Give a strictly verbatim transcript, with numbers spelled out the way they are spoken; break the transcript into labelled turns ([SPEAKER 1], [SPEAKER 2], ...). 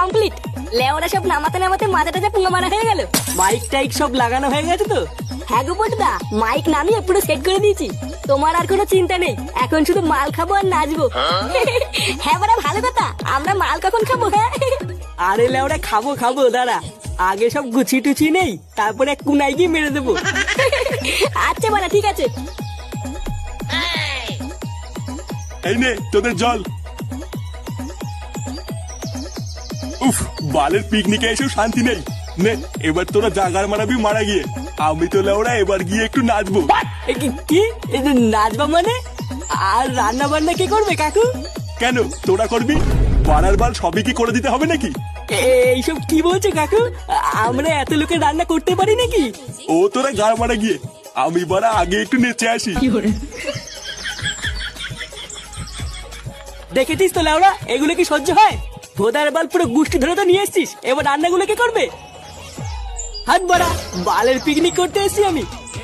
[SPEAKER 1] Complete. লেওরা সব নামাতে নামাতে মাথাটা যা পুঙ্গা মারা হয়ে গেল।
[SPEAKER 2] মাইক টাইক সব লাগানো হয়ে গেছে তো?
[SPEAKER 1] হ্যাঁ গো বটদা, মাইক নামিয়ে পুরো সেট করে দিয়েছি। তোমার আর কোনো চিন্তা নেই, এখন শুধু মাল খাবো আর নাচবো। হ্যাঁ বাড়া, ভালো কথা। আমরা মাল কখন খাবো? হ্যাঁ
[SPEAKER 2] আরে লেওরা খাবো খাবো, দাঁড়া আগে সব গুছি টুচি নেই, তারপরে এক কুনাই গিয়ে মেরে দেবো।
[SPEAKER 1] আচ্ছা বাড়া, ঠিক আছে।
[SPEAKER 3] এই নে তোদের জল। উফ, বালের পিকনিকে এসেও শান্তি নেই। নে এবার তোরা জাগার মারাবি মারা গিয়ে, আমি তো লেওরা এবার গিয়ে একটু নাচবো।
[SPEAKER 2] এ কি- কি এ যে নাচবা মানে? আর রান্না বান্না কে করবে কাকু?
[SPEAKER 3] কেন তোরা করবি? বাড়ার বাল সবই কি করে দিতে হবে নাকি?
[SPEAKER 2] এ- এইসব কি বলছো কাকু? আ- আমরা এত লোকের রান্না করতে পারি নাকি?
[SPEAKER 3] ও তোরা গাড় মারা গিয়ে, আমি বাড়া আগে একটু নেচে আসি।
[SPEAKER 2] দেখেছিস তো লেওরা, এগুলো কি সহ্য হয়? ভোদার বাল পুরো গুষ্টি ধরে তো নিয়ে এসছিস, এবার রান্নাগুলো কে করবে? হাত বাড়া, বালের পিকনিক করতে এসছি আমি।